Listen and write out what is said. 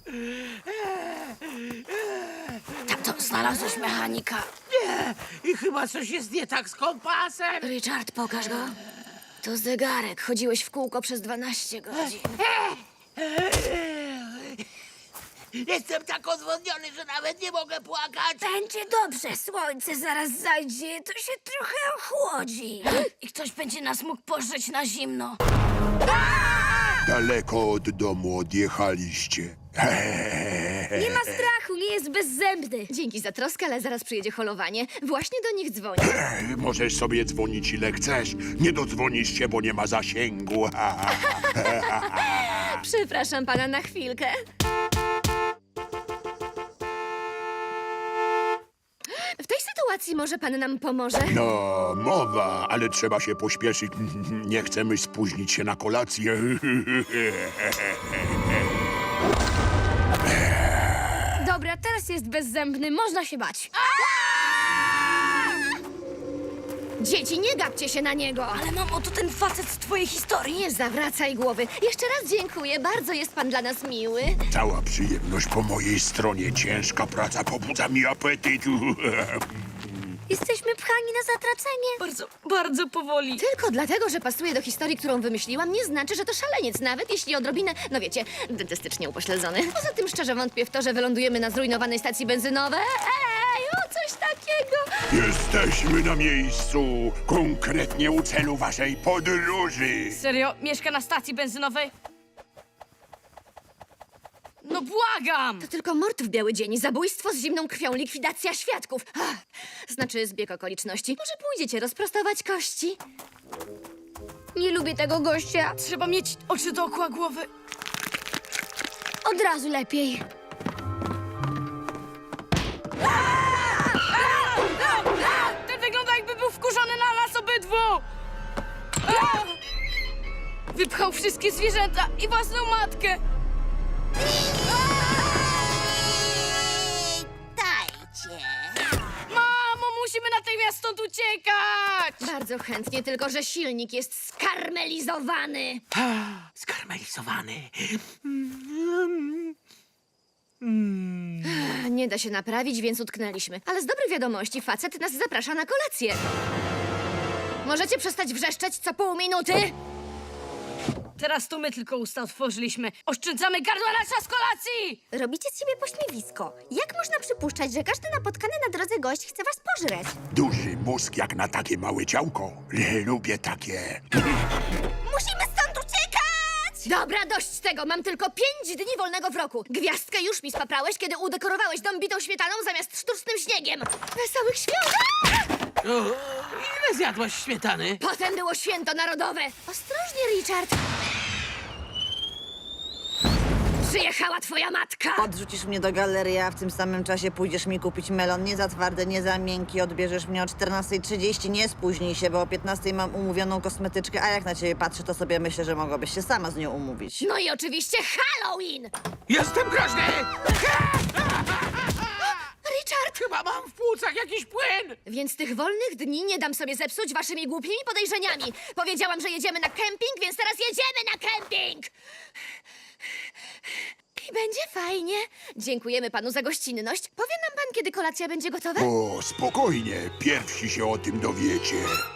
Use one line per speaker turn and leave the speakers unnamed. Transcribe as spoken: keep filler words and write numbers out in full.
Tato, znalazłeś mechanika.
Nie! I chyba coś jest nie tak z kompasem.
Richard, pokaż go. To zegarek. Chodziłeś w kółko przez dwanaście godzin.
Jestem tak odwodniony, że nawet nie mogę płakać.
Będzie dobrze. Słońce zaraz zajdzie. To się trochę ochłodzi. I ktoś będzie nas mógł pożreć na zimno.
Daleko od domu odjechaliście.
Nie ma strachu, nie jest bezzębny. Dzięki za troskę, ale zaraz przyjedzie holowanie. Właśnie do nich dzwonię.
Możesz sobie dzwonić ile chcesz. Nie dodzwonisz się, bo nie ma zasięgu.
Przepraszam pana na chwilkę. W tej sytuacji może pan nam pomoże?
No, mowa, ale trzeba się pośpieszyć. Nie chcemy spóźnić się na kolację.
Dobra, teraz jest bezzębny, można się bać. Dzieci, nie gapcie się na niego! Ale mamo, to ten facet z twojej historii. Nie zawracaj głowy. Jeszcze raz dziękuję, bardzo jest pan dla nas miły.
Cała przyjemność po mojej stronie. Ciężka praca pobudza mi apetyt.
Jesteśmy pchani na zatracenie.
Bardzo, bardzo powoli.
Tylko dlatego, że pasuje do historii, którą wymyśliłam, nie znaczy, że to szaleniec, nawet jeśli odrobinę, no wiecie, dentystycznie upośledzony. Poza tym szczerze wątpię w to, że wylądujemy na zrujnowanej stacji benzynowej. Ej, o coś takiego!
Jesteśmy na miejscu. Konkretnie u celu waszej podróży.
Serio? Mieszka na stacji benzynowej? No błagam!
To tylko mord w biały dzień, zabójstwo z zimną krwią, likwidacja świadków. Ach, znaczy zbieg okoliczności. Może pójdziecie rozprostować kości? Nie lubię tego gościa.
Trzeba mieć oczy dookoła głowy.
Od razu lepiej.
Ten wygląda, jakby był wkurzony na nas obydwu! A! Wypchał wszystkie zwierzęta i własną matkę!
Witajcie.
Mamo, musimy natychmiast stąd uciekać!
Bardzo chętnie, tylko że silnik jest skarmelizowany.
Skarmelizowany.
Nie da się naprawić, więc utknęliśmy. Ale z dobrej wiadomości facet nas zaprasza na kolację. Możecie przestać wrzeszczeć co pół minuty?
Teraz to my tylko usta otworzyliśmy. Oszczędzamy gardła na czas kolacji!
Robicie z siebie pośmiewisko. Jak można przypuszczać, że każdy napotkany na drodze gość chce was pożreć?
Duży mózg jak na takie małe ciałko. Lubię takie.
Musimy stąd uciekać!
Dobra, dość tego. Mam tylko pięć dni wolnego w roku. Gwiazdkę już mi spaprałeś, kiedy udekorowałeś dom bitą śmietaną zamiast sztucznym śniegiem. Wesołych świąt!
O, ile zjadłaś śmietany?
Potem było święto narodowe. Ostrożnie, Richard. Przyjechała twoja matka.
Odrzucisz mnie do galerii, a w tym samym czasie pójdziesz mi kupić melon. Nie za twardy, nie za miękki. Odbierzesz mnie o czternastej trzydzieści. Nie spóźnij się, bo o piętnastej mam umówioną kosmetyczkę, a jak na ciebie patrzę, to sobie myślę, że mogłabyś się sama z nią umówić.
No i oczywiście Halloween.
Jestem groźny!
Richard!
Chyba mam w płucach jakiś płyn!
Więc tych wolnych dni nie dam sobie zepsuć waszymi głupimi podejrzeniami. Powiedziałam, że jedziemy na kemping, więc teraz jedziemy na kemping! I będzie fajnie. Dziękujemy panu za gościnność. Powie nam pan, kiedy kolacja będzie gotowa?
O, spokojnie. Pierwsi się o tym dowiecie.